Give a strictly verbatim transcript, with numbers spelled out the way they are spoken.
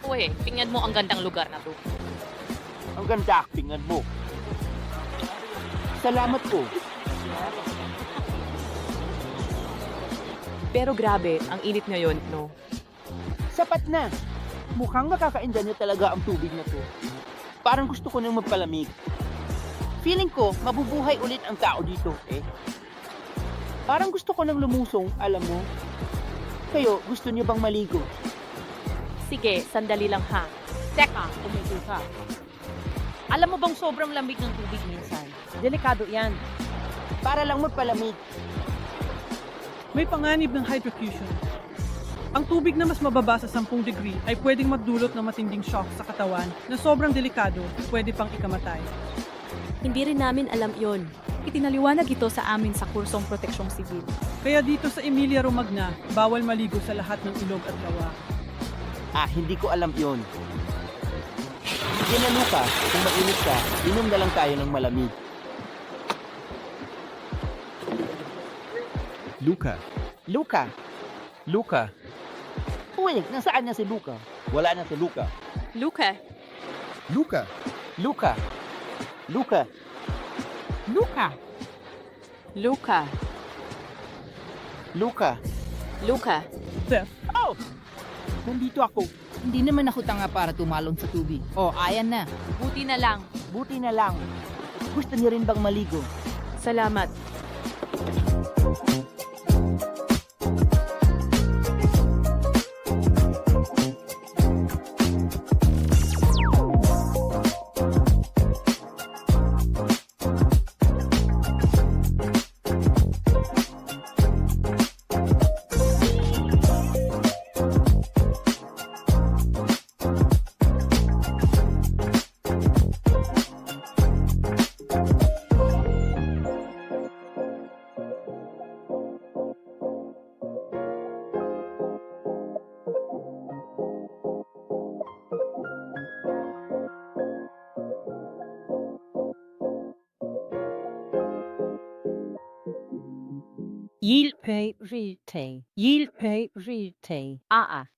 ko eh. Tingnan mo ang gandang lugar na 'to. Ang ganda actingan mo. Salamat po. Pero grabe, ang init ngayon, no? Sapat na. Mukhang makakainda niyo talaga ang tubig na to. Parang gusto ko nang magpalamig. Feeling ko, mabubuhay ulit ang tao dito, eh. Parang gusto ko nang lumusong, alam mo. Kayo, gusto niyo bang maligo? Sige, sandali lang ha. Teka, umupo ka. Alam mo bang sobrang lamig ng tubig minsan? Delikado yan. Para lang magpalamig. May panganib ng hydrofusion. Ang tubig na mas mababa sa sampung degree ay pwedeng magdulot ng matinding shock sa katawan na sobrang delikado, pwede pang ikamatay. Hindi rin namin alam yon. Itinaliwanag ito sa amin sa kursong proteksyong sibil. Kaya dito sa Emilia Romagna, bawal maligo sa lahat ng ilog at lawa. Ah, hindi ko alam yon. Sige na, Luca. Kung mainit ka, inom na lang tayo ng malamig. Luca. Luca. Luca. Uy, nasaan na si Luca? Wala na si Luca. Luca, Luca. Luca. Luca. Luca. Luca. Luca. Luca. Steph, Oh! Nandito ako. Hindi naman ako tanga para tumalon sa tubig. Oh, ayan na. Buti na lang. Buti na lang. Gusto niyo rin bang maligo? Salamat. Yilpay Rite. Yilpay Rite. Aa.